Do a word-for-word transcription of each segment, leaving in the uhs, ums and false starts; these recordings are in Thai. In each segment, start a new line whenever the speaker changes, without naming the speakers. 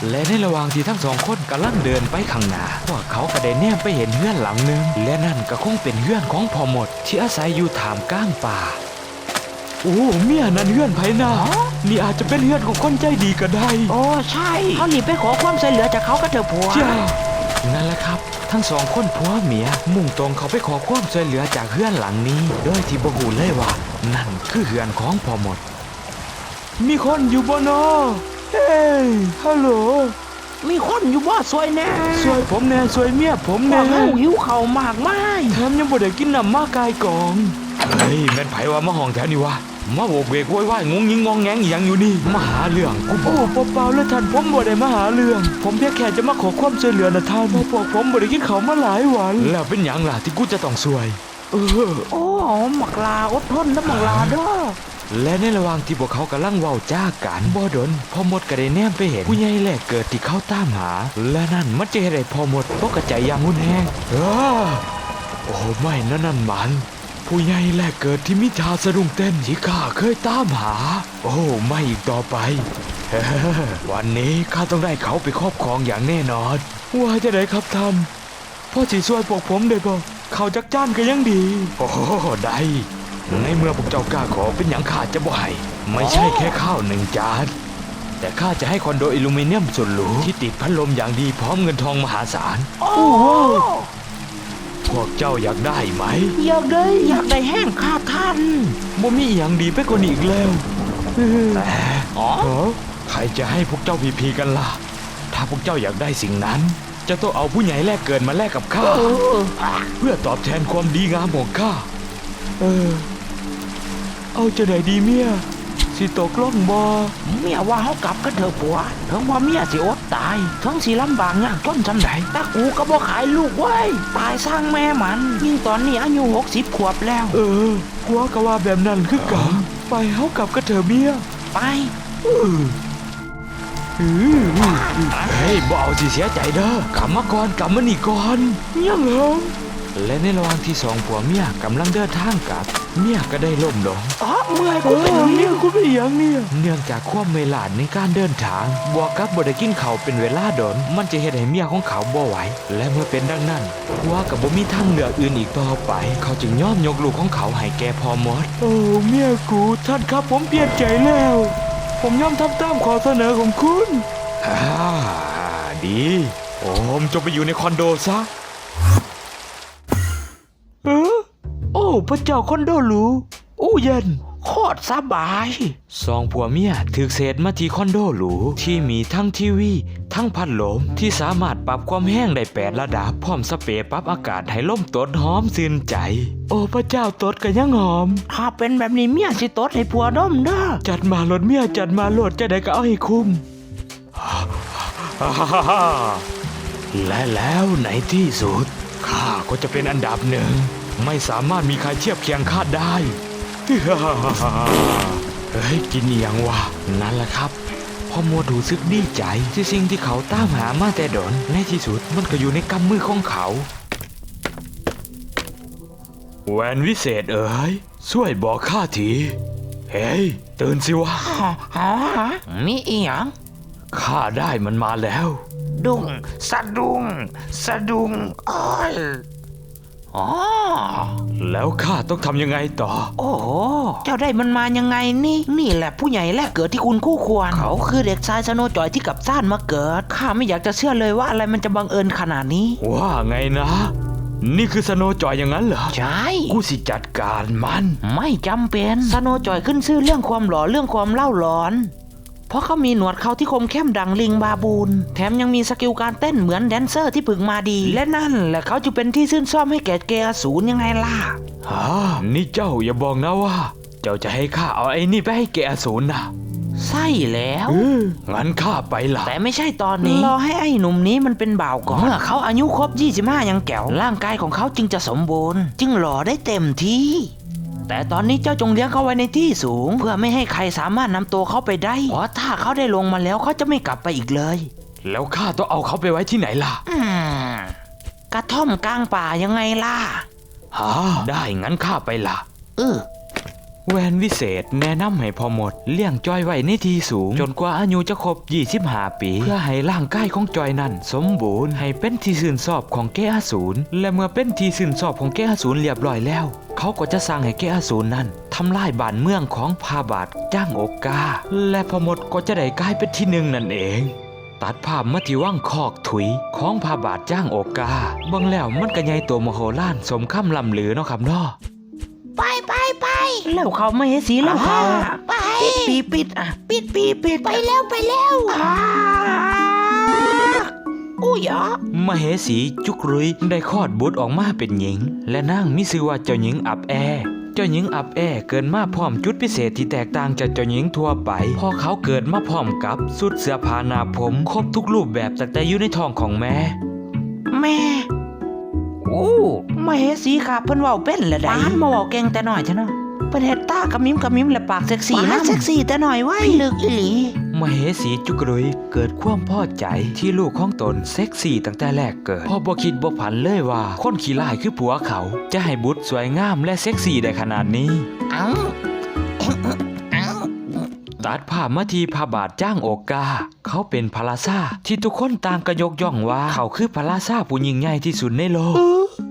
และในระหว่างที่ทั้งสองคนกำลังเดินไปข้างหน้าพวกเขาก็ได้แนมไปเห็นเฮือนหลังหนึ่งและนั่นก็คงเป็นเฮือนของพ่อหมดที่อาศัยอยู่ท่ามกลางป่าโอ้เมียนั่นเฮือนไผนานี่อาจจะเป็นเฮือนของคนใจดีก็ได้
โอ้ใช่เขาหนีไปขอความช่วยเหลือจากเขาก็เถอะผัว
จ้านั่นแหละครับทั้งสองคนผัวเมียมุ่งตรงเขาไปขอความช่วยเหลือจากเฮือนหลังนี้โดยที่บ่ฮู้เลยว่านั่นคือเฮือนของพ่อหมดมีคนอยู่บ่นอเฮ้ยฮัลโหล
มีคนอยู่บ่สวยแน่
สวยผมแน่สวยเมียผมแน่
ว่าหิวเข่ามากมาย
แถมยังบ่ได้กินน้ำมากายกองเฮ้ยแม่นไผว่ามาห้องแถวนี้วะมาโบกเวกโวยวายงงยิงงองแงงอย่างอยู่นี่มาหาเรื่องกูโอ้เปล่าๆแล้วท่านผมบ่ได้มาหาเรื่องผมเพียงแค่จะมาขอความช่วยเหลือนะท่านเพราะพวกผมบ่ได้กินข้าวมาหลายวันแล้วเป็นหยังล่ะที่กูจะต้องซวยเออ
โอ้หมักลาอดทนนะหมักลาเด้อ
และในระหว่างที่พวกเขากำลังเว้าจ้ากันบ่ดนพ่อมดก็ได้แนมไปเห็นผู้ใหญ่แลกเกิดที่เขาตามหาและนั่นมันจะเฮ็ดให้พ่อมดตกกระจายอย่างหุ่นแห้งเออโอ้ไม่นั่นนั่นมันผู้ใหญ่แลกเกิดที่มิทาสะดุ้งเต้นที่ข้าเคยตามหาโอ้ไม่อีกต่อไปวันนี้ข้าต้องได้เขาไปครอบครองอย่างแน่นอนว่าจะได้ครับท่านพ่อสิช่วยพวกผมได้บ่เขาจักจ้านก็ยังดีโอ้ได้ในเมื่อพวกเจ้ากล้าขอเป็นอย่างข้าจะบ่ให้ไม่ใช่แค่ข้าวหนึ่งจานแต่ข้าจะให้คอนโดอลูมิเนียมสุดหรูที่ติดพัดลมอย่างดีพร้อมเงินทองมหาศาล
โอ้โห
พวกเจ้าอยากได้ไหม
อยากได้อยากได้แห้งข้าท่าน
บ่มีอย่างดีไปกว่านี้อีกแล้วแต่อ๋อใครจะให้พวกเจ้าพีพีกันล่ะถ้าพวกเจ้าอยากได้สิ่งนั้นจะต้องเอาผู้ใหญ่แลกเกินมาแลกกับข้าเพื่อตอบแทนความดีงามของข้าเออเอาจะไหนดีเมียสิตกล่องบ่
เมียว่าเขากลับกันเถอะผัวถึงว่าเมียสิอดตายถึงสิลำบากยากจนจำได้แต่กูก็บ่ขายลูกไว้ตายสร้างแม่มันยิ่งตอนนี้อายุหกสิบขวบแล้ว
เออผัวก็ว่าแบบนั้นคือกันไปเขากลับกันเถอะเมีย
ไป
เออเฮ้ยบ่เอาสิเสียใจเด้อกลับมาก่อนกลับมานี่ก่อนยังเหรอและในระหว่างที่สองผัวเมียกำลังเดินทางกลับเมียก็ได้ล้มลง
อ๋อเมื่อยกูเป็น
เมียกูเป็นอย่างเนี่ยเนื่องจากความเมลาดในการเดินทางบวกกับบ่ได้กินข้าวเป็นเวลาดนมันจะเฮ็ดให้เมียของเขาบ่ไหวและเมื่อเป็นดังนั้นผัวก็บ่มีทางเลือกอื่นอีกต่อไปเขาจึงยอมยกลูกของเขาให้แก่พ่อมดโอ้เมียกูท่านครับผมเปลี่ยนใจแล้วผมยอมทำตามข้อเสนอของคุณฮ่าดีโอมจงไปอยู่ในคอนโดซะเออโอ้พระเจ้าคอนโดหรูอู้เย็น
โคตรสบาย
สองผัวเมียถึกเศษมาที่คอนโดหรูที่มีทั้งทีวีทั้งพัดลมที่สามารถปรับความแห้งได้แปดระดับพร้อมสเปรย์ปรับอากาศให้ลมตดหอมซื่นใจโอ้พระเจ้าตดก็ยังหอม
ถ้าเป็นแบบนี้เมียสิตดให้ผัวดมเด้อ
จัดมาโหลดเมียจัดมาโหลดจะได้ก็เอาให้คุ้มและแล้วในที่สุดข้าก็จะเป็นอันดับหนึ่งไม่สามารถมีใครเทียบเคียงข้าได้เฮ้ยกินอย่างวะนั่นแหละครับพ่อมัวดูซึกดีใจที่สิ่งที่เขาตามหามาแต่ดนในที่สุดมันก็อยู่ในกำมือของเขาแหวนวิเศษเอ๋ยช่วยบอกข้าทีเฮ้ยตื่นสิวะ
ฮะมีอีหยัง
ข้าได้มันมาแล้ว
ดุ้งสะดุ้งสะดุ้งอ้อยอ๋อ
แล้วข้าต้องทำยังไงต่อ
โอ้โหเจ้าได้มันมายังไงนี่นี่แหละผู้ใหญ่แลกเกิดที่คุณคู่ควรเขาคือเด็กชายสโนว์จอยที่กับซ่านมาเกิดข้าไม่อยากจะเชื่อเลยว่าอะไรมันจะบังเอิญขนาดนี้
ว่าไงนะนี่คือสโนว์จอยอย่างนั้นเหรอ
ใช่
กูสิจัดการมัน
ไม่จำเป็นสโนว์จอยขึ้นชื่อเรื่องความหล่อเรื่องความเล่าร้อนเพราะเขามีหนวดเขาที่คมเข้มดังลิงบาบูนแถมยังมีสกิลการเต้นเหมือนแดนเซอร์ที่ฝึกมาดีและนั่นแหละเขาจะเป็นที่ชื่นชอบให้แก่เกอสูรยังไงล่ะ
ฮะนี่เจ้าอย่าบอกนะว่าเจ้าจะให้ข้าเอาไอ้นี่ไปให้แกอสูรนะ
ใช่แล้ว
งั้นข้าไปล่ะ
แต่ไม่ใช่ตอนนี้รอให้ไอ้หนุ่มนี้มันเป็นบ่าวก่อนเมื่อเขาอายุครบยี่สิบห้ายังแก๋วร่างกายของเขาจึงจะสมบูรณ์จึงหล่อได้เต็มที่แต่ตอนนี้เจ้าจงเลี้ยงเขาไว้ในที่สูงเพื่อไม่ให้ใครสามารถนำตัวเขาไปได้เพราะถ้าเขาได้ลงมาแล้วเขาจะไม่กลับไปอีกเลย
แล้วข้าต้องเอาเขาไปไว้ที่ไหนล่ะ
อืมกระท่อมกลางป่ายังไงล่ะ
ฮะได้งั้นข้าไปล่ะ
เออ
แวนวิเศษแนะนำให้พ่อมดเลี้ยงจอยไว้ในที่สูงจนกว่าอายุจะครบยี่สิบห้าปีเพื่อให้ร่างกายของจอยนั้นสมบูรณ์ให้เป็นที่ชื่นชอบของแก่อสูรและเมื่อเป็นที่ชื่นชอบของแก่อสูรเรียบร้อยแล้วเขาก็จะสั่งให้แก่อสูรนั้นทำลายบ้านเมืองของพาบาทจ้างโอกาและพ่อมดก็จะได้กลายเป็นที่หนึ่งนั่นเองตัดภาพมาที่ว่างคอกถุยของพาบาทจ้างโอกาเบิ่งแล้วมันก็ใหญ่โตมโหฬารสมคำล่ำลือเนาะครับเนาะ
ไปไปไป
แล้วเขาไม่ให้สีแล้วเขา
ไป
ปิดปีปิดอ่ะปิดปีปิด
ไปแล้วไปแล้ว
อ่า
อู้ยอ
มเหสีจุกรุยได้คลอดบุตรออกมาเป็นหญิงและนางมีชื่อว่าเจ้าหญิงอับแอเจ้าหญิงอับแอเกิดมาพร้อมจุดพิเศษที่แตกต่างจากเจ้าหญิงทั่วไปพอเขาเกิดมาพร้อมกับสุดเสื้อผ้าหน้าผมครบทุกรูปแบบตั้งแต่อยู่ในท้องของแม่
แม่โอ้ไม่ให้สีค่ะเพิ่นเว้าเป็นละได้ปานมาเว้าเก่งแต่น้อยจ้ะเนาะเพิ่นเฮ็ดตากระมิมกระมิมและปากเซ็กซี่
ปา
นะ
กเซ็กซี่แต่หน่อยไว้
พี่ลึกอีหลี
มเหสีจุกรุยเกิดความพอใจที่ลูกของตนเซ็กซี่ตั้งแต่แรกเกิดพอบ่คิดบ่ผันเลยว่าคนขี้ร้ายคือผัวเขาจะให้บุตรสวยงามและเซ็กซี่ได้ขนาดนี้
เอ้าเอ้า
ตัดภาพมาที่พระบาทจ้างโอกาเขาเป็นพระราชาที่ทุกคนต่างก็ยกย่องว่าเขาคือพระราชาผู้ยิ่งใหญ่ที่สุดในโลก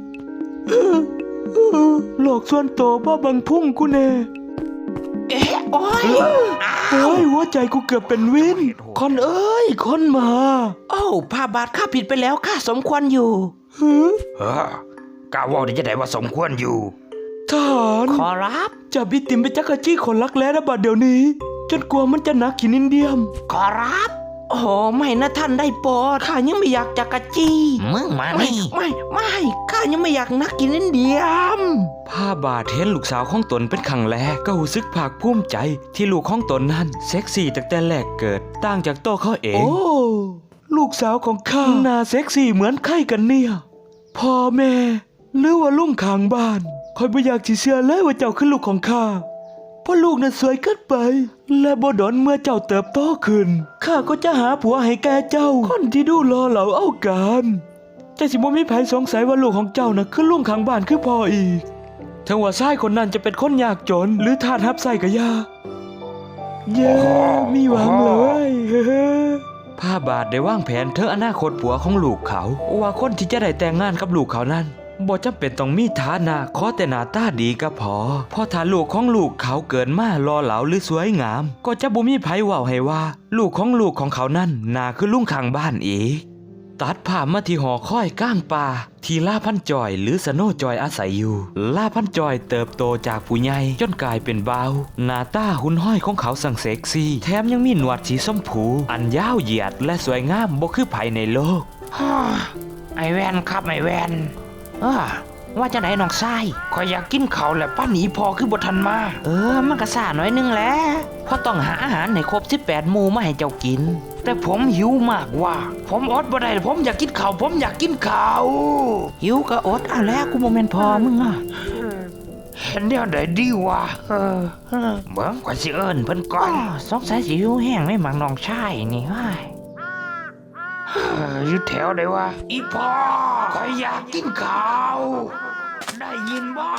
โลกส่วนโตบ่บังพุ่งกูแน่
เอ๊ะโอ้ย
เฮ้ยหัวใจกูเกือบเป็นวินคนเอ้ยคนมา
โอ้พาบาทข้าผิดไปแล้วข้าสมควรอยู่
หือ
เออกาว่าได้จะได้ว่าสมควรอยู่
ทหาร
ขอรับ
จับบิติมไปจักรจี้คนรักแร้ระบาดเดี๋ยวนี้ จนกลัวมันจะหนักกินอินเดียม
ขอรับโอ้ไม่นะท่านได้โปรดข้ายังไม่อยากจักรจี้
มึงมา
ไม่
นี่
ไม่ไม่ข้ายังไม่อยากนักกินอินเดียม
ผ้าบาทเห็นลูกสาวของตนเป็นครั้งแรกก็รู้สึกภาคภูมิใจที่ลูกของตนนั้นเซ็กซี่ตั้งแต่แรกเกิดต่างจากโตวเขาเอง โอ้ ลูกสาวของข้าหน้าเซ็กซี่เหมือนใครกันเนี่ยพ่อแม่หรือว่าลุงข้างบ้านคอยไม่อยากจะเชื่อเลยว่าเจ้าคือลูกของข้าเพราะลูกนั้นสวยเกินไป และบ่ดอนเมื่อเจ้าเติบโตขึ้นข้าก็จะหาผัวให้แก่เจ้าคนที่ดูรอเหล่าเอาการแต่สิบ่มีไผสงสัยว่าลูกของเจ้าน่ะคือลุงข้างบ้านคือพ่ออีกถึงว่าชายคนนั้นจะเป็นคนยากจนหรือทาสรับใส่กะยาเย้มีหวังเลยผ้าบาทได้วางแผนเธออนาคตผัวของลูกเขาว่าคนที่จะได้แต่งงานกับลูกเขานั้นบ่จำเป็นต้องมีฐานะขอแต่หน้าตาดีก็พอเพราะถ้าลูกของลูกเขาเกิดมารอเหลาหรือสวยงาม ก็จะบ่มีไผเว้าให้ว่า ลูกของลูกของเขานั้นน่าคือลุงข้างบ้านอีกตัดภาพมาที่หอคอยก้างป่าที่ล่าพันจอยหรือสโนจอยอาศัยอยู่ล่าพันจอยเติบโตจากผู้ใหญ่จนกลายเป็นบ่าวหน้าตาหุ่นห้อยของเขาสั่งเซ็กซี่แถมยังมีหนวดสีส้มผูอันยาวเหยียดและสวยงามบ่คือไผในโลก
ฮ่าไอแวนครับไอแวนเออว่าจะไหนน้องชายขอยอยากกินเขาวแหละป้าหนีพอคือบทันมา เออมันก็ซ่าหน่อยนึงแหละเพราะต้องหาอาหารให้ครบสิบแปดหมู่มาให้เจ้ากิน แต่ผมหิวมากว่า ผมอดบ่ได้ผมอยากกินข้าวผมอยากกินข้าวหิวก็อดเอาแล้วกูโมเมนพอมึงอ่ะเห็นเดี๋ยวไหนดีวะเออเออเบิ่งกว่าสิเอิญเพิ่นก่อนสงสัยสิหิวแห้งไม่หมักน้องชายนี่เฮ้ย เอ่ออยู่แถวไหนวะอีพ่อขอยอยากกินข้าวได้ยินบ่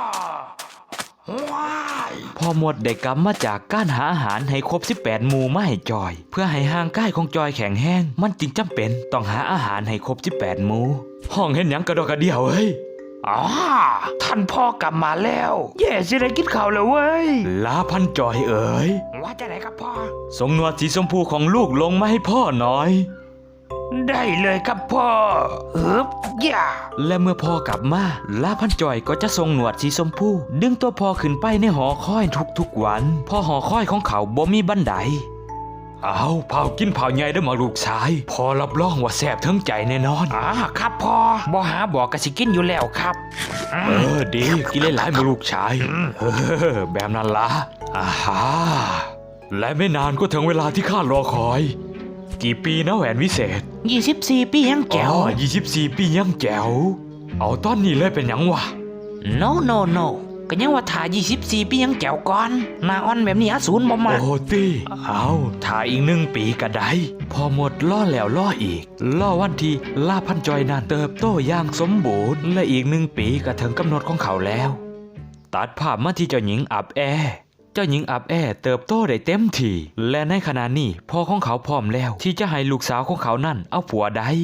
ว้ายพ่อหมดได้กลับมาจากการหาอาหารให้ครบสิบแปดหมู่มาให้จอย เพื่อให้ห่างกายของจอยแข็งแห้งมันจึงจำเป็นต้องหาอาหารให้ครบสิบแปดหมู่ห้องเห็นหยังกระดอกกระเดี่ยวเฮ้ยอ๋อท่านพ่อกลับมาแล้วแย่สิได้กินข้าวแล้วเว้ยลาพันจอยเอ๋ยว่าจะไหนครับพ่อส่งหนวดสีชมพูของลูกลงมาให้พ่อหน่อยได้เลยครับพ่อฮึบย่าและเมื่อพ่อกลับมาลาพันจอยก็จะทรงหนวดสีชมพูดึงตัวพ่อขึ้นไปในหอคอยทุกๆวันเพ่อหอคอยของเขาบ่มีบันไดเอาเผากินเผาใหญ่ได้มาลูกชายพ่อรับรองว่าแซ่บทั้งใจแน่นอนอ่าครับพ่อบ่หาบอกกะสิกินอยู่แล้วครับเออดีกินหลายๆมาลูกชายเออแบบนั้นละอ่าฮะและไม่นานก็ถึงเวลาที่ข้ารอคอยกี่ปีนะแหวนวิเศษยี่สิบสี่ปียังแก้ว
อ๋อยี่สิบสี่ปียังแจ๋วเอาตอนนี้เลยเป็นหยังวะ
no no no ก็ยังว่าถ่ายี่สิบสี่ปียังแก้วก่อนหน้าอ่อนแบบนี้อสูรบ่มา
โอ้ตีเอาถ่ายอีกหนึ่งปีก็ได้พอหมดล่อแล้วล่ออีกล่อวันที่ลาพันจอยนั้นเติบโตอย่างสมบูรณ์และอีกหนึ่งปีก็ถึงกำหนดของเขาแล้วตัดภาพมาที่เจ้าหญิงอับแอเจ้าหญิงอับแอเติบโตได้เต็มที่และในขณะนี้พ่อของเขาพร้อมแล้วที่จะให้ลูกสาวของเขานั่นเอาผัวได้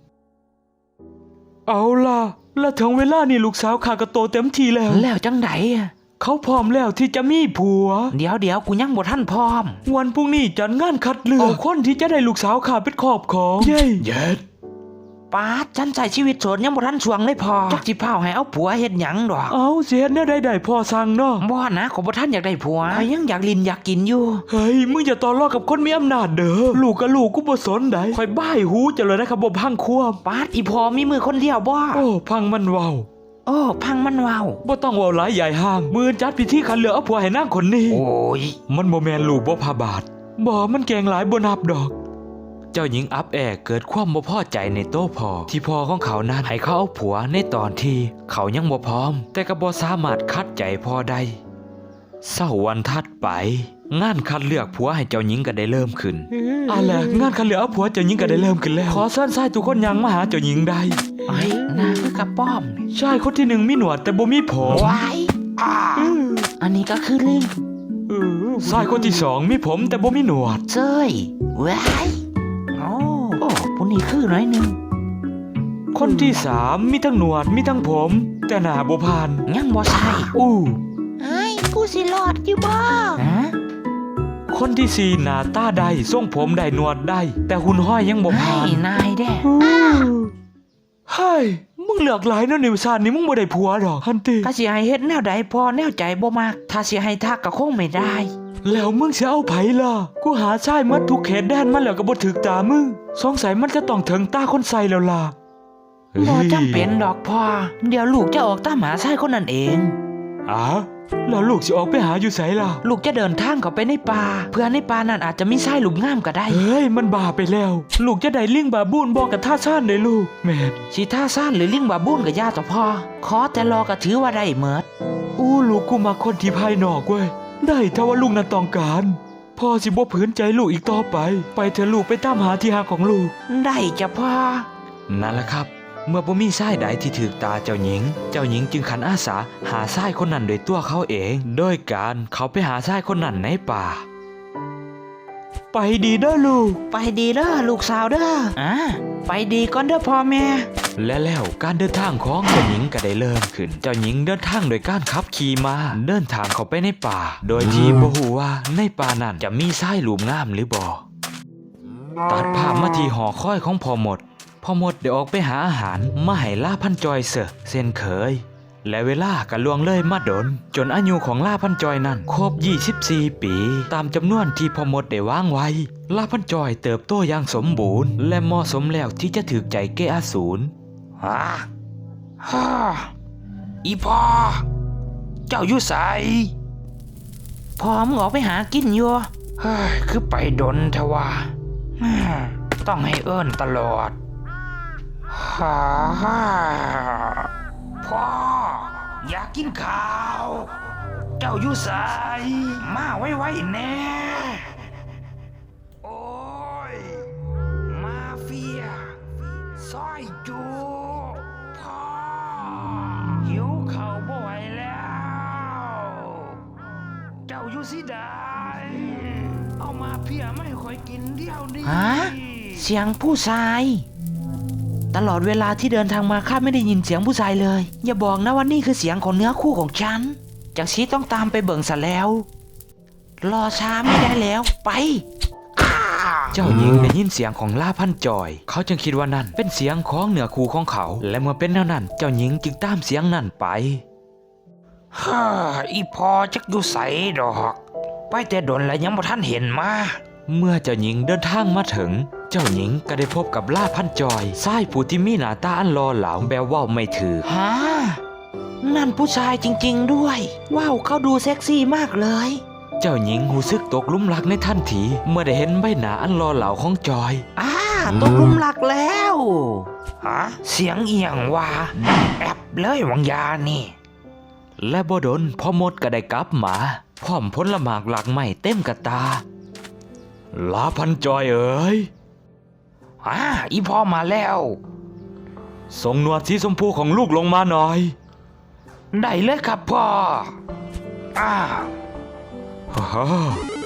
เอาล่ะและถึงเวลานี่ลูกสาวข้าก็โตเต็มที่แล้ว
แล้วจังไดอะ
เขาพร้อมแล้วที่จะมีผัว
เดี๋ยวเดี๋ยวกูยังบ่ทันพร้อม
วันพรุ่งนี้จัดงานคัดเลือกเอาคนที่จะได้ลูกสาวข้าเป็นครอบครองเย้เย็ด
ปาดฉันใช้ชีวิตโสดยังบ่ทันช่วงเลยพอจักสิพาให้เอาผัวเฮ็ดหยังดอก
เอาเสียเนื้อใดๆพอสั่งเนาะ
บ่นะขอบ่ทันอยากได้ผัวข้อยยังอยากลินอยากกินอยู่
เฮ้ยมึงอย่าต่อรองกับคนมีอำนาจเด้อลูกกับลูกกูบ่สนได้คอยบ้ายหูจะเลยนะครับบ่พังควม
ปาดอีพอมีมือคนเดียวบ่
โอ้พังมันเว้า
โอ้พังมันเว้า
บ่ต้องเว้าหลายใหญ่ห้างมือจัดพิธีคัดเลือกเอาผัวให้นางคนนี้
โอ้ย
มันบ่แม่นลูกบ่พาบาทบ่มันแกงหลายบ่นับดอกเจ้าหญิงอับแอเกิดความบ่พอใจในโต้พ่อที่พ่อของเขานั้นให้เขาเอาผัวในตอนที่เขายังบ่พร้อมแต่ก็บ่สามารถคัดใจพ่อได้เช้าวันถัดไปงานคัดเลือกผัวให้เจ้าหญิงก็ได้เริ่มขึ้นอะไรงานคัดเลือกเอาผัวเจ้าหญิงก็ได้เริ่มขึ้นแล้วขอเชิญชายทุกคนยังมาหาเจ้าหญิงได้
ไอ้หน้าคือกระป้อมนี่
ชายคนที่หนึ่งมีหนวดแต่บ่มีผม
ว้ายอ่าอันนี้ก็คือลิง
เออชายคนที่สองมีผมแต่บ่มีหนวด
เจ้ยว้ายโอ้โอ้ผู้นี้คือหน่อยหนึง
คนที่สามมีทั้งหนวดมีทั้งผม แต่หน้าบ่ผ่าน
ยังบ่ใช่
อู้
ไอ้ยกูสิรอดอยู่บ่
ฮะ
คนที่สี่หน้าตาได้ทรงผมได้หนวดได้ แต่หุ่นห้อยยังบ่
ให้
ผ่าน
นายแด้
เฮ้ยมึงเลือกหลายเนาะนิวซานนี่มึงบ่ได้ผัวดอกฮันติ
ถ้าสิให้เฮ็ดแนวใดพอแนวใจบ่มักถ้าสิให้ทักก็คงไม่ได้
แล้วมึงสิเอาไผล่ะกูหาชายมาทุกเขตแดนมาแล้วก็บ่ถึกตามึงสงสัยมันจะต้องถึงตาคนใส่แล้วล่ะ
บ่จำเป็นดอกพ่อเดี๋ยวลูกจะออกตามหาชายคนนั้นเอง
อ๋อแล้วลูกสิออกไปหาอยู่ไสล่ะ
ลูกจะเดินทางเข้าไปในป่าเพื่อในป่านั้นอาจจะมีชายหลุมงามก็ได้
เฮ้ยมันบ้าไปแล้ว ลูกจะได้ลิงบาบูนบอกกับท่าซ่านเลยลูกแม่น
สิท่าซ่านหรือลิงบาบูนก็ย่าต่อพ่อขอแต่รอก็ถือว่าได้เมิด
อู้ลูกกูมาคนที่ภายนอกเว้ยได้ถ้าว่าลูกนั้นต้องการพ่อสิบ่ผืนใจลูกอีกต่อไป ไปเถอะลูกไปตามหาที่หาของลูก
ได้จ้ะพ่อ
นั่นแหละครับ เมื่อบ่มีชายใดที่ถือตาเจ้าหญิง เจ้าหญิงจึงขันอาสาหาชายคนนั้นโดยตัวเขาเอง โดยการเขาไปหาชายคนนั้นในป่า ไปดีเด้อลูก
ไปดีเด้อลูกสาวเด้ออ่าไปดีก่อนเด้อพ่อแม่
และแล้วการเดินทางของเจ้าหญิงก็ได้เริ่มขึ้น เจ้าหญิงเดินทางโดยการขับขี่ม้าเดินทางเข้าไปในป่า โดยที่บ่ฮู้ว่าในป่านั้นจะมีชายหลุมงามหรือบ่ตัดภาพมาที่หอคอยของพ่อหมดพ่อหมดได้ออกไปหาอาหารมาให้ล่าพันจอยเสอะเส้นเคย และเวลาก็ล่วงเลยมาดนจนอายุของล่าพันจอยนั้นครบยี่สิบสี่ปี ตามจำนวนที่พ่อหมดได้วางไว้ล่าพันจอยเติบโตอย่างสมบูรณ์และเหมาะสมแล้วที่จะถูกใจแก่อสูร
ฮะฮ่าอีพ่อเจ้าอยู่ไสพ่อมึงออกไปหากินอยู่เฮ้ยคือไปดนเถอะว่าฮ่าต้องให้เอิ้นตลอดฮ่าฮ่าพ่ออยากกินข้าว เจ้าอยู่ไสมาไว้ๆแน่โอ้ยมาเฟียซอยจูพ่อหิวข้าวบ่ไหวแล้ว เจ้าอยู่สิได้เอามาเพียไม่ค่อยกินเดียวนี้ฮะเสียงผู้ชาย ตลอดเวลาที่เดินทางมาข้าไม่ได้ยินเสียงผู้ชายเลย อย่าบอกนะว่านี่คือเสียงของเนื้อคู่ของฉันจากชีต้องตามไปเบิ่งซะแล้ว รอช้าไม่ได้แล้วไป
เจ้าหญิงได้ยินเสียงของล่าพันจอย เขาจึงคิดว่านั่นเป็นเสียงของเหนือคู่ของเขา และเมื่อเป็นแนวนั้น เจ้าหญิงจึงตามเสียงนั้นไป
ฮ่าอีพอจักอยู่ใสดอก ไปแต่ดนแล้วยังบ่ทันเห็นมา
เมื่อเจ้าหญิงเดินทางมาถึง เจ้าหญิงก็ได้พบกับล่าพันจอยชายผู้ที่มีหน้าตาอันหล่อเหลาแบบว่าไม่ถือ
ฮะนั่นผู้ชายจริงๆด้วยว้าวเขาดูเซ็กซี่มากเลย
เจ้าหญิงหูซึกตกหลุมรักในทันทีเมื่อได้เห็นใบหน้าอันหล่อเหลาของจอย
อ่าตกหลุมรักแล้วฮะเสียงเอียงว่าแอบเลยวังยานี่
และบ่ดนพ่อมดก็ได้กลับมาพร้อมผลหมากหลักใหม่เต็มกระตาลาพันจอยเอ๋ย
อ่าอีพ่อมาแล้ว
ส่งหนวดสีชมพูของลูกลงมาหน่อย
ได้เลยครับพ่ออ้าว
ฮ่าฮ่า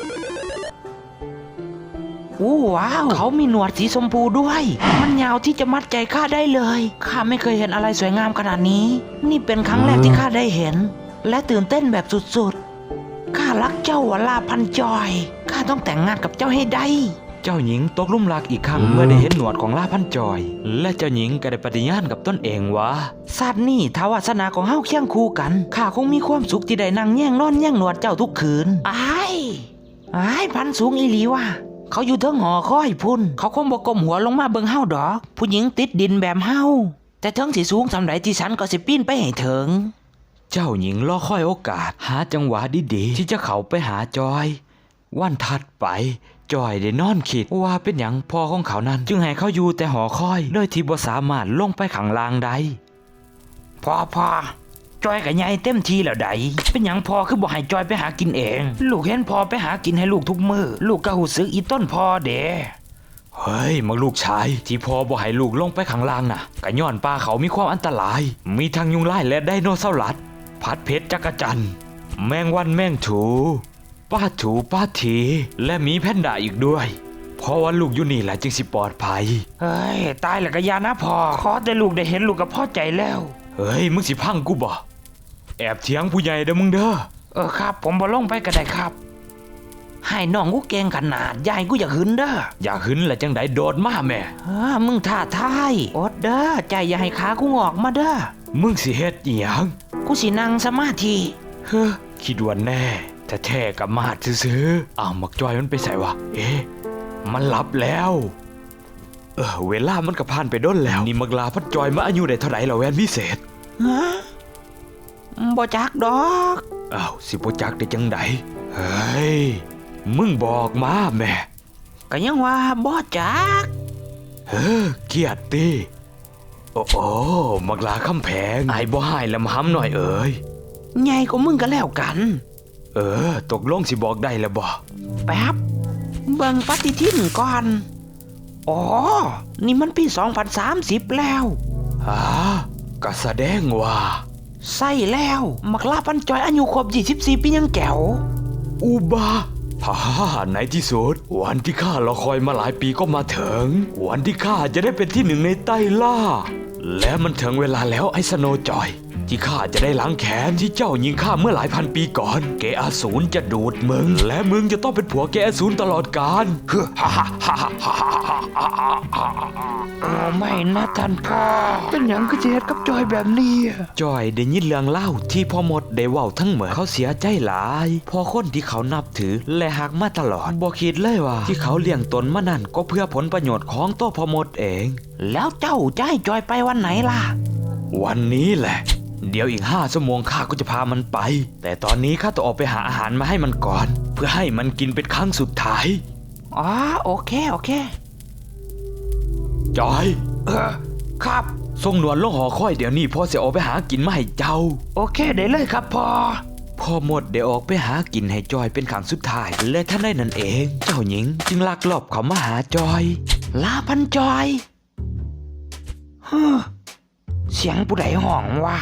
อู้ว้าวเขามีหนวดสีชมพูด้วย มันยาวที่จะมัดใจข้าได้เลยข้าไม่เคยเห็นอะไรสวยงามขนาดนี้ นี่เป็นครั้งแรกที่ข้าได้เห็น และตื่นเต้นแบบสุดๆข้ารักเจ้าวลาพันจอยข้าต้องแต่งงานกับเจ้าให้ได้
เจ้าหญิงตกหลุมรักอีกครั้งเมื่อได้เห็นหนวดของลาพันจอย และเจ้าหญิงก็ได้ปฏิญาณกับตนเองว่า
ชาตินี้ถ้าวาสนาของเฮาเคียงคู่กันข้าคงมีความสุขที่ได้นั่งแย่งนอนแย่งหนวดเจ้าทุกคืนอ้ายอ้ายพันสูงอีหลีว่ะเขาอยู่เทิงหอคอยพุ่นเขาคงบ่ก้มหัวลงมาเบิ่งเฮาดอกผู้หญิงติดดินแบบเฮาแต่เทิงสิสูงสำใดที่ฉันก็สิปีนไปให้ถึง
เจ้าหญิงรอคอยโอกาสหาจังหวะดีๆที่จะเข้าไปหาจอย วันถัดไปจอยได้นอนคิดว่าเป็นหยังพ่อของเขานั้นจึงให้เขาอยู่แต่หอคอยโดยที่บ่สามารถลงไปข้างล่างได้
พ่อพ่อจอยกับยายเต็มทีแล้วใดเป็นหยังพ่อคือบ่ให้จอยไปหากินเอง ลูกเห็นพ่อไปหากินให้ลูกทุกมือลูกก็หูซึกอีต้นพ่อเด้
เฮ้ยมักลูกชายที่พ่อบ่ให้ลูกลงไปข้างล่างน่ะก็ย้อนป่าเขามีความอันตราย มีทั้งยุงลายและไดโนเสาร์ลัดพัดเพชรจักรจันทร์แมงวันแมงถูป้าถูป้าทีและหมีแพนด้าอีกด้วยเพราะว่าลูกอยู่นี่แหละจึงสิปลอดภัย
เฮ้ยตายแล้วก็อยานะพ่อขอแต่ลูกได้เห็นลูกก็พอใจแล้ว
เฮ้ยมึงสิพังกูบ่แอบเถียงผู้ใหญ่เด้อมึงเด้อ
เออครับผมบ่ลงไปก็ได้ครับให้น้องกูเก่งขนาดยายกูอยากหึนเด้อ
อยากหึนและจังไดโดดมาแม่
เออมึงท่าทายอดเด้อใจอย่าให้ขากูงอกมาเด้อ
มึงสิเฮ็ดอีหยัง
กูสินั่งสมาธิ
เฮ้อคิดว่าแน่แต่แท้กับมาดซื้อๆอ้าวมักจอยมันไปใส่วะเอ๊ะมันหลับแล้วเออเวลามันก็ผ่านไปด้นแล้วนี่มักลาพัดจอยมาอายุได้เท่าไหร่แล้วแวนพิเศษ
ฮะบ่จักดอก
อ้าวสิบ่จักได้จังไดเฮ้ยมึงบอกมาแม่
ก็ยังว่าบ่จัก
เฮ้อเกียดติโอ้โอ้มักลาคำแพงไอ้บ่ให้ลำห้ำหน่อยเอ้ย
ใหญ่กว่ามึงก็แล้วกัน
เออตกลงสิบอกได้แล้วบ่
แป๊บเบิ่งปฏิทินก่อนอ๋อนี่มันปีสองพันสามสิบแล้ว
ฮะก็แสดงว่า
ใส่แล้วมักลาพันจอยอายุครบยี่สิบสี่ปียังแก้ว
อุบาฮ่าฮ่าในที่สุดวันที่ข้ารอคอยมาหลายปีก็มาถึง วันที่ข้าจะได้เป็นที่หนึ่งในไต้ล่า และมันถึงเวลาแล้วไอ้สโนว์จอย ที่ข้าจะได้ล้างแค้นที่เจ้ายิงข้าเมื่อหลายพันปีก่อน เกอาสูรจะดูดมึง และมึงจะต้องเป็นผัวเกอาสูรตลอดกาลฮ่าฮ่าฮ่าฮ่าฮ่าฮ่าฮ่าฮ่า
เอาไม่นะท่านพ่อเป็นหยังคือเจ็ดกับจอยแบบนี้
จอยได้ยินเรื่องเล่าที่พ่อมดได้เว้าทั้งหมดเขาเสียใจหลายพอคนที่เขานับถือและหักมาตลอดบ่คิดเลยว่าที่เขาเลี้ยงตนมานั่นก็เพื่อผลประโยชน์ของตัวพ่อมดเอง
แล้วเจ้าจะให้จอยไปวันไหนล่ะ
วันนี้แหละ เดี๋ยวอีกห้าชั่วโมงข้าก็จะพามันไป แต่ตอนนี้ข้าต้องออกไปหาอาหารมาให้มันก่อน เพื่อให้มันกินเป็นครั้งสุดท้าย
อ๋อโอเคโอเค
จอย
เออครับ
ส่งหนวดลงหอคอยเดี๋ยวนี้พ่อจะออกไปหากินมาให้เจ้า
โอเคได้เลยครับพ่อ
พ่อมดได้ออกไปหากินให้จอยเป็นครั้งสุดท้าย และท่านได้นั่นเอง เจ้าหญิงจึงลักลอบเขามาหาจอย
ลาพันจอยฮึเสียงผู้ใดห้องวะ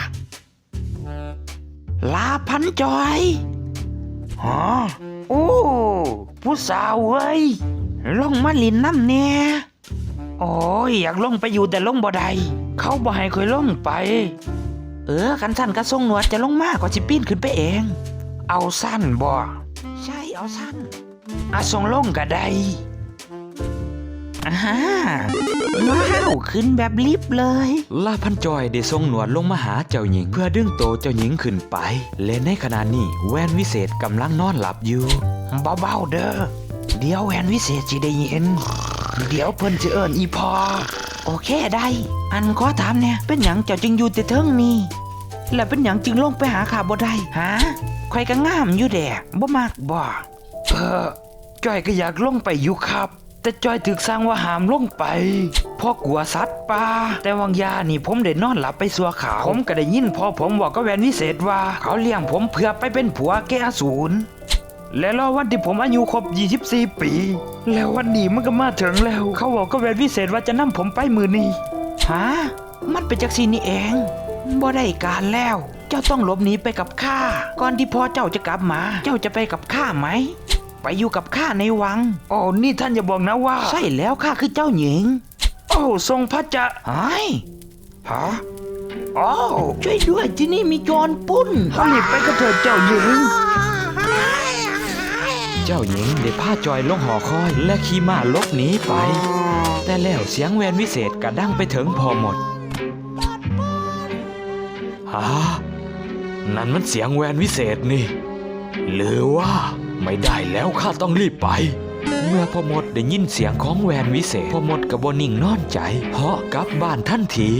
ลาพันจอยฮะโอ้ผู้สาวเว้ยลงมาลินน้ำเนี่ยโอ้ยอยากลงไปอยู่แต่ลงบ่ได้เขาบ่ให้เคยลงไป เออกันสั้นกระทรงหนวดจะลงมากกว่าสิปีนขึ้นไปเอง เอาสั้นบ่ใช่เอาสั้นอาทรงลงก็ได้อ่าว้าวขึ้นแบบลิฟต์เลย
ลาพันจอยได้ส่งหนวดลงมาหาเจ้าหญิง เพื่อดึงโตวเจ้าหญิงขึ้นไป และในขณะนี้แวนวิเศษกำลังนอนหลับอยู่
เบาๆเด้อเดี๋ยวแวนวิเศษสิได้ยินเดี๋ยวเพิ่นจะเอิ้นอีพอโอเคได้ อันขอถามเนี่ยเป็นหยังเจ้าจึงอยู่แต่เทิงนี่แล้วเป็นหยังจึงลงไปหาข้าบ่ได้ฮะข่อยก็งามอยู่แดะบ่มักบ่เออจ้อยก็อยากลงไปอยู่ครับแต่จอยถึกสร้างว่าหามลงไปเพราะกลัวสัตว์ป่าแต่วังยานี่ผมได้นอนหลับไปสัวขาวผมก็ได้ยินพอผมบอกกับแวนวิเศษว่าเขาเลี้ยงผมเพื่อไปเป็นผัวแกอสูรและรอวันที่ผมอายุครบยี่สิบสี่ปีแล้ววันนี้มันก็มาถึงแล้วเขาบอกกับแวนวิเศษว่าจะนำผมไปมือนี้ฮะมันเป็นจักซี่นี่เองบ่ได้การแล้วเจ้าต้องหลบหนีไปกับข้าก่อนที่พ่อเจ้าจะกลับมา เจ้าจะไปกับข้าไหมไปอยู่กับข้าในวัง
โอ้นี่ท่านอย่าบอกนะว่า
ใช่แล้วข้าคือเจ้าหญิง
โอ้ทรงพระจะ
ไอ้
ฮะโอ้
ช่วยด้วยที่นี่มีโจรปุ้น
รีบไปกับเถิดเจ้าหญิง
เจ้าหญิงได้พาจอยลงหอคอยและขี่ม้าหลบหนีไป แต่แล้วเสียงแวนวิเศษกระดังไปถึงพอหมดฮะนั่นมันเสียงแวนวิเศษนี่หรือว่าไม่ได้แล้วข้าต้องรีบไป เมื่อพอหมดได้ยินเสียงของแวนวิเศษพอหมดกับบนิ่งนอนใจเพราะกลับบ้านทันที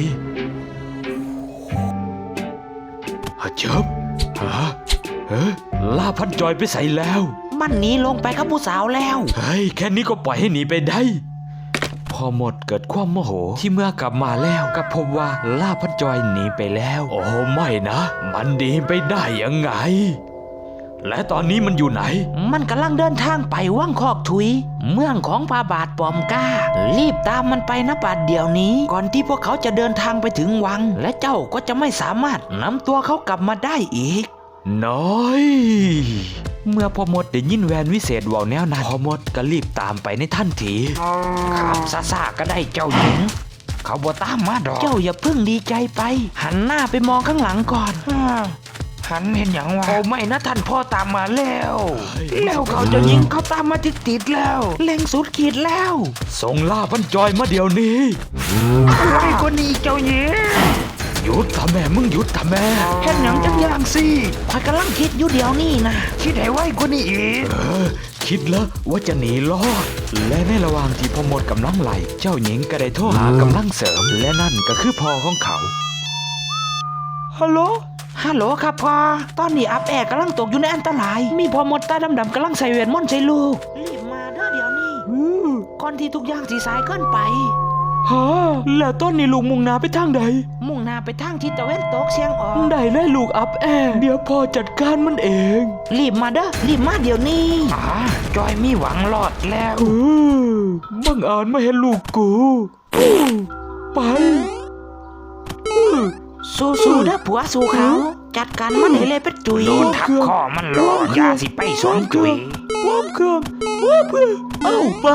ฮะเจ็บฮะเฮ้ลาพันจอยไปใส่แล้ว
มันหนีลงไปกับผู้สาวแล้ว
เฮ้ยแค่นี้ก็ปล่อยให้หนีไปได้ พอหมดเกิดความโมโหที่เมื่อกลับมาแล้วก็พบว่าล่าพันจอยหนีไปแล้ว โอ้ไม่นะ มันหนีไปได้ยังไง และตอนนี้มันอยู่ไหน
มันกำลังเดินทางไปว่างคอกถุย เมืองของพาบาทปอมก้า รีบตามมันไปนะบัดเดี๋ยวนี้ ก่อนที่พวกเขาจะเดินทางไปถึงวัง และเจ้าก็จะไม่สามารถนำตัวเขากลับมาได้อีก
น้อย เมื่อพ่อมดได้ยินแวนวิเศษเว่าแนวนั้นพ่อมดก็รีบตามไปในทันที
ขับซาซาก็ได้เจ้าหญิง
เขาบ่ตามมาดอก
เจ้าอย่าเพิ่งดีใจไป หันหน้าไปมองข้างหลังก่อน
หันเห็นอย่างวะโอ้ไม่นะท่านพ่อตามมาแล้ว
แล้วเขาเจะยิงเขาตามมาติดติดๆแล้วเล็งสุดขีดแล้ว
ส่งล่าพันจอยมาเดี๋ยวนี้
ไว้คนนี้เจ้าหญิง
หยุดทำแม่มึงหยุดทำแม่
เห็นอย่างจังอย่างสิ
ข้อยกำลังคิดอยู่เดี๋ยวนี้นะ
คิดให้ไว้คนนี้อีก
เออ คิดแล้วว่าจะหนีรอด และในระหว่างที่พ่อมดกำลังไหลเจ้าหญิงก็ได้โทรหากำลังเสริม และนั่นก็คือพ่อของเขา
ฮัลโหล ฮัลโหลครับพ่อ ตอนนี้อับแอร์กำลังตกอยู่ในอันตราย มีพ่อมดตาดำๆกำลังใส่เวทมนต์ใส่ลูก รีบมาเด้อเดี๋ยวนี้ก่อนที่ทุกอย่างสีสายเกินไป
ฮะแล้วต้นนี้ลูกมุ่งหน้าไปทางใด
มุ่งหน้าไปทางทิศตะวันตกเฉียงออก
ได้เลยลูกอัพแอร์เดี๋ยวพ่อจัดการมันเอง
รีบมาเด้อ รีบมาเดี๋ยวนี้
อ่าจอยมีหวังรอดแล้ว
เออบังอาจมาเห็นลูกกูอู้ไปอื้อ
สู้ๆเด้อผัวสู้เขา จัดการมันให้เลยเป็นจุย
โดนทับคอมันหลอดยาสิไปสองจุย
ว้ามเครื่องว้ามเครื่องเอาไป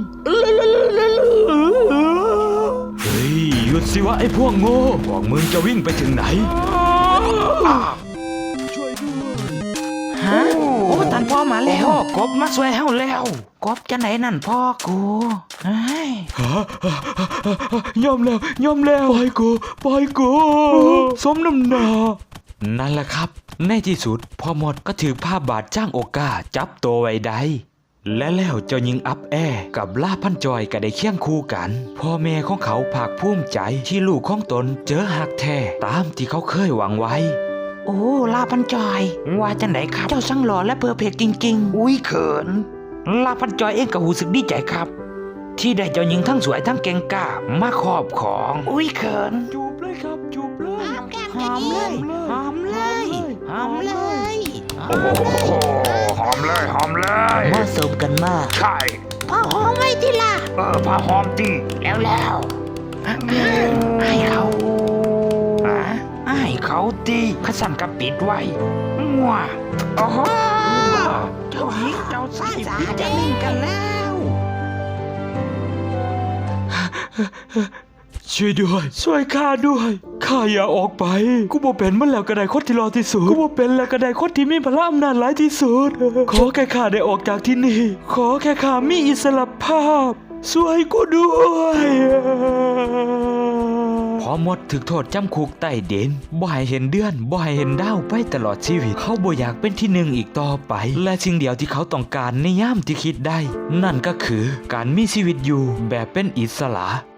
เฮ้ยหยุดสิวะไอ้พวกโง่พวกมึงจะวิ่งไปถึงไหน ช่วยด้วย
ฮะ โอ้ท่านพ่อมาแล้ว
โอ้กบมาสวยเฮาแล้ว
กบจะไหนนั่นพ่อกูเฮ้ย
ฮะยอมแล้วยอมแล้วปล่อยกูปล่อยกูสมน้ำหน้านั่นแหละครับ ในที่สุดพ่อหมดก็ถือผ้าบาดจ้างโอกาจับตัวไว้ได้ และแล้วเจ้าหญิงอัพแอร์กับล่าพันจอยก็ได้เคียงคู่กัน พ่อแม่ของเขาภาคภูมิใจที่ลูกของตนเจอหักแท้ตามที่เขาเคยหวังไว้
โอ้ ลาพันจอย ว่าจังไหนครับ เจ้าช่างหล่อและเพอร์เฟกต์จริง
อุ้ยเขิน
ๆ ลาพันจอยเองก็หูสึกดีใจครับ ที่ได้เจ้าหญิงทั้งสวยทั้งเก่งกล้ามาครอบครอง
อุ้ยเขิน
จูบเลยครับจูบเลย
หอมแก้ม
หอมเลย หอมเลย หอมเลย
โอ้โหหอมเลยหอมเลย
เหมาะสมกันมาก
ใช่
พ่อหอมไว้ทีละ
เออพาหอมตี
แล้วแล้ว
ให้เขา
อ่ะให้เขาตีขสันกับปิดไว้มัวโอ้โห
เจ้าหญิงเจ้าชาย
สา
พิ
เด้
จาริงกันแล้ว
ช่วยด้วยช่วยข้าด้วยข้าอย่าออกไป กูบ่เป็นมันแล้วก็ได้คนที่รอที่สุดกูบ่เป็นแล้วก็ได้คนที่มีพลังอำนาจหลายที่สุด ขอแค่ข้าได้ออกจากที่นี่ ขอแค่ข้ามีอิสรภาพช่วยกูด้วยพอหมดถึกโทษจำคุกใต้ดินบ่ให้เห็นเดือนบ่ให้เห็นดาวไปตลอดชีวิตเขาบ่อยากเป็นที่หนึ่งอีกต่อไป และสิ่งเดียวที่เขาต้องการในยามที่คิดได้ นั่นก็คือการมีชีวิตอยู่แบบเป็นอิสระ